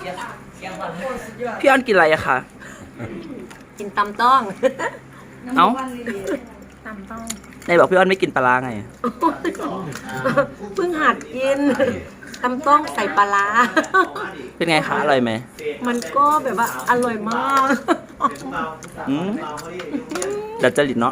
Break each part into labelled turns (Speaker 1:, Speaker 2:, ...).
Speaker 1: พี่อ้อนกินอะไรอะคะ
Speaker 2: กินตำต้อง
Speaker 1: เอ้า
Speaker 2: ตำต้อง
Speaker 1: ไหนบอกพี่อ้อนไม่กินปลาร้าไง
Speaker 2: เพิ่งหัดกินตำต้องใส่ปลาร้า
Speaker 1: เป็นไงคะอร่อยไหม
Speaker 2: มันก็แบบว่าอร่อยมาก
Speaker 1: อืมดัดจริตเนาะ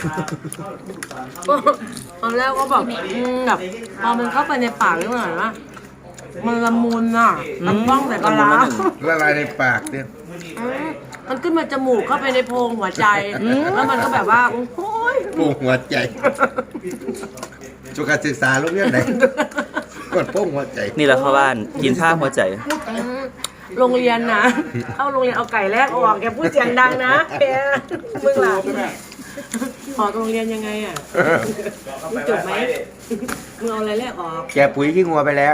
Speaker 2: ตอนแรกก็แบบแบบพอมันเข้าไปในปากแล้วเหมือนว่ามันละมุนอ่ะตำต้องใส่ปลาร้า
Speaker 3: ละลายในปากเนี่ย
Speaker 2: มันขึ้นมาจมูกเข้าไปในโพรงหัวใจ แล้วมันก็แบบว่า โอ้ย
Speaker 3: โป่งหัวใจจุกการศึกษาลูกเรียนไหนกดโป่งหัวใจ
Speaker 1: นี่แหละเข้าบ้านกินผ้าหัวใจ
Speaker 2: โรงเรียนนะ เข้าโรงเรียนเอาไก่แรกออกแกพูดเสียงดังนะแกมึงหลับออกโรงเรียนยังไงอ่ะมึงจบไหมมึงเอาอะไรแรกออก
Speaker 3: แกปุ๋ยขี้งัวไปแล้ว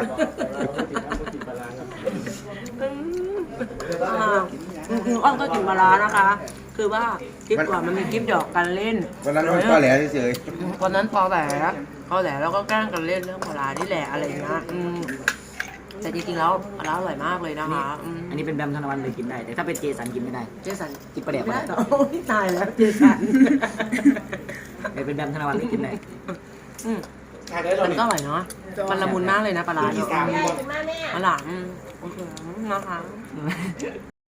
Speaker 2: อ้อมก็กินปลาร้านะคะ คือว่าคลิปก่อนมันมีคลิปหยอกกันเล่น
Speaker 3: วันนั้นมันก็แหลเฉย
Speaker 2: วันนั้นพอแหละแล้วก็แกล้งกันเล่นเรื่องปลาร้านี่แหละอะไรอย่างเงี้ยแต่จริงๆแล้วปลาร้าอร่อยมากเลยนะคะ
Speaker 4: อันนี้เป็นแบมธนวัลเลยกินได้ แต่ถ้าเป็นเจสันกินไม่ได้
Speaker 2: เจสัน
Speaker 4: กินปลาแดกไม่ได้
Speaker 2: โอ้ยตายแล้วเจสัน
Speaker 4: แต่เป็นแบมธนวัลเลยกินได้
Speaker 2: มันก็อร่อยเนาะมันละมุนมากเลยนะปลาร้าเนี่ยปลาหลามโอเคนะคะ